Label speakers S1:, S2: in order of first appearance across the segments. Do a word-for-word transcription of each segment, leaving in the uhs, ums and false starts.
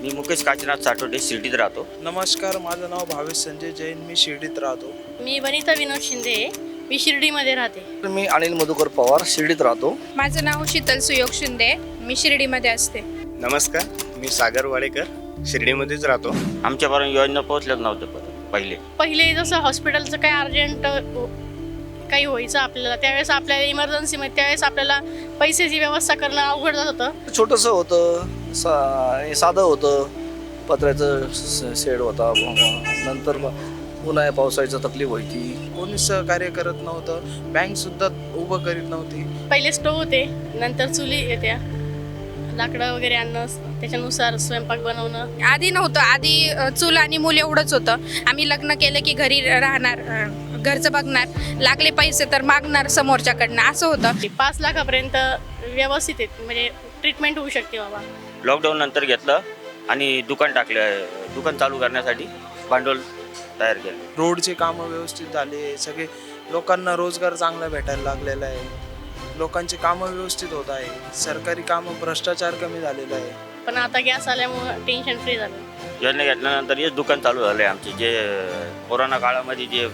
S1: मी मुकेश काशीनाथ साठोडे शिर्डीत राहतो.
S2: नमस्कार, माझं नाव भावेश संजय जैन, मी शिर्डीत राहतो.
S3: मी वनिता विनोद शिंदे, मी शिर्डीमध्ये राहते.
S4: मी अनिल मधुकर पवार, शिर्डीत राहतो.
S5: माझं नाव शीतल सुयोग शिंदे, मी शिर्डीमध्ये असते.
S6: नमस्कार, मी सागर वाडेकर, शिर्डीमध्येच राहतो.
S1: आमच्यापर्यंत योजना पोहोचल्याच नव्हत्या पहिले.
S3: पहिले जसं हॉस्पिटलचं काही अर्जंट काही व्हायचं आपल्याला, त्यावेळेस आपल्याला इमर्जन्सीमध्ये त्यावेळेस आपल्याला पैशाची व्यवस्था करणं अवघड जात होतं.
S4: छोटंसं होतं, सा साधं होतं, पत्र्याचं शेड होता. नंतर मग उन्हाळ्या पावसाळ्याची तकलीफ व्हायची.
S2: कोणीच सहकार्य करत नव्हतं, बँक सुद्धा उभं करीत नव्हती.
S3: पहिले स्टोव होते, नंतर चुली येत्या, लाकडं वगैरे आणणं, त्याच्यानुसार स्वयंपाक बनवणं.
S5: आधी नव्हतं, आधी अ, चूल आणि मूल एवढंच होतं. आम्ही लग्न केलं की घरी राहणार, अ, घरचं बघणार, लागले पैसे तर मागणार समोरच्याकडनं, असं होतं.
S3: पाच लाखापर्यंत व्यवस्थित आहे, म्हणजे ट्रीटमेंट होऊ शकते बाबा.
S1: लॉकडाऊन नंतर घेतलं आणि दुकान टाकलं. दुकान चालू करण्यासाठी भांडवल तयार केलं.
S2: रोडचे कामं व्यवस्थित झाले, सगळे लोकांना रोजगार चांगला भेटायला लागलेला आहे. लोकांचे कामं व्यवस्थित होत आहे. सरकारी कामं, भ्रष्टाचार कमी झालेला आहे.
S3: पण आता गॅस आल्यामुळं टेन्शन फ्री झालं.
S1: योजना घेतल्यानंतर हेच दुकान चालू झालं आहे आमचे. जे कोरोना काळामध्ये जे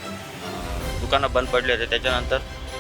S1: दुकानं बंद पडले होते, त्याच्यानंतर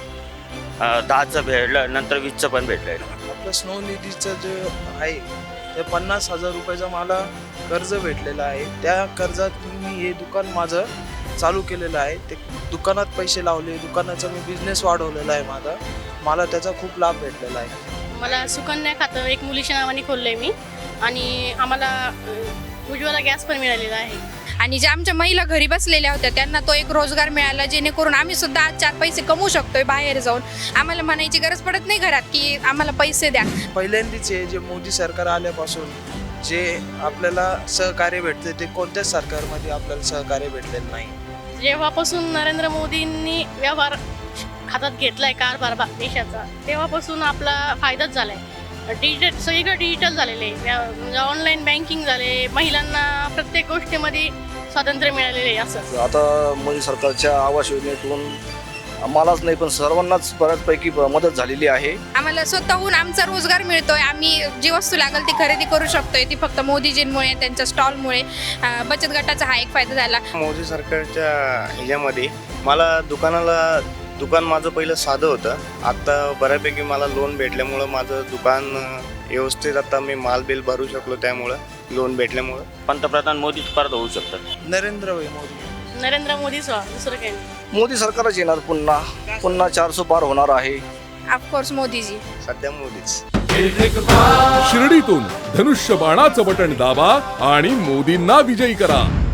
S1: दहाचं भेटलं, नंतर वीसचं पण भेटलं आहे.
S2: आपलं स्नो निधीचं जे आहे ते पन्नास हजार रुपयाचं मला कर्ज भेटलेलं आहे. त्या कर्जात मी हे दुकान माझं चालू केलेलं आहे. ते दुकानात पैसे लावले, दुकानाचा मी बिझनेस वाढवलेला आहे माझा. मला त्याचा खूप लाभ भेटलेला आहे.
S3: मला सुकन्या खातं एक मुलीच्या नावाने खोललं आहे मी, आणि आम्हाला अ, उज्ज्वला गॅस पण मिळालेला आहे.
S5: आणि ज्या आमच्या महिला घरी बसलेल्या होत्या त्यांना तो एक रोजगार मिळाला, जेणेकरून आम्ही सुद्धा आज चार पैसे कमवू शकतोय बाहेर जाऊन. आम्हाला म्हणायची गरज पडत नाही घरात की आम्हाला पैसे द्या.
S2: पहिल्यांदाच हे जे मोदी सरकार आल्यापासून जे आपल्याला सहकार्य भेटते ते कोणत्याच सरकारमध्ये आपल्याला सहकार्य भेटलेलं नाही.
S3: जेव्हापासून नरेंद्र मोदींनी व्यवहार हातात घेतलाय कारभार भा- देशाचा, तेव्हापासून आपला फायदाच झालाय. डिजिटल सगळीकडे डिजिटल झालेले आहे, म्हणजे ऑनलाईन बँकिंग झाले, महिलांना प्रत्येक गोष्टीमध्ये स्वातंत्र्य मिळालेले आहे. असं
S4: आता मोदी सरकारच्या आवास योजनेतून मलाच नाही पण सर्वांनाच बऱ्याचपैकी मदत झालेली आहे.
S5: आम्हाला स्वतःहून आमचा रोजगार मिळतोय. आम्ही जी वस्तू लागेल ती खरेदी करू शकतोय, ती फक्त मोदीजींमुळे, त्यांच्या स्टॉलमुळे. अ, बचत गटाचा हा एक फायदा झाला.
S6: मोदी सरकारच्या ह्याच्यामध्ये मला दुकानाला दुकान माझं पहिलं साधं होतं. आता बऱ्यापैकी मला लोन भेटल्यामुळं माझं दुकान व्यवस्थित आता मी माल बिल भरू शकलो, त्यामुळं लोन भेटल्यामुळं.
S1: पंतप्रधान मोदीच परत होऊ शकतात.
S2: नरेंद्र भाई मोदी.
S3: नरेंद्र मोदीच व्हा, दुसरं काही नाही.
S4: मोदी सरकारच येणार पुन्हा. पुन्हा चारशे पार होणार आहे.
S5: ऑफकोर्स मोदीजी.
S6: सध्या मोदीच.
S7: शिर्डीतून धनुष्य बाणाचं बटण दाबा आणि मोदींना विजयी करा.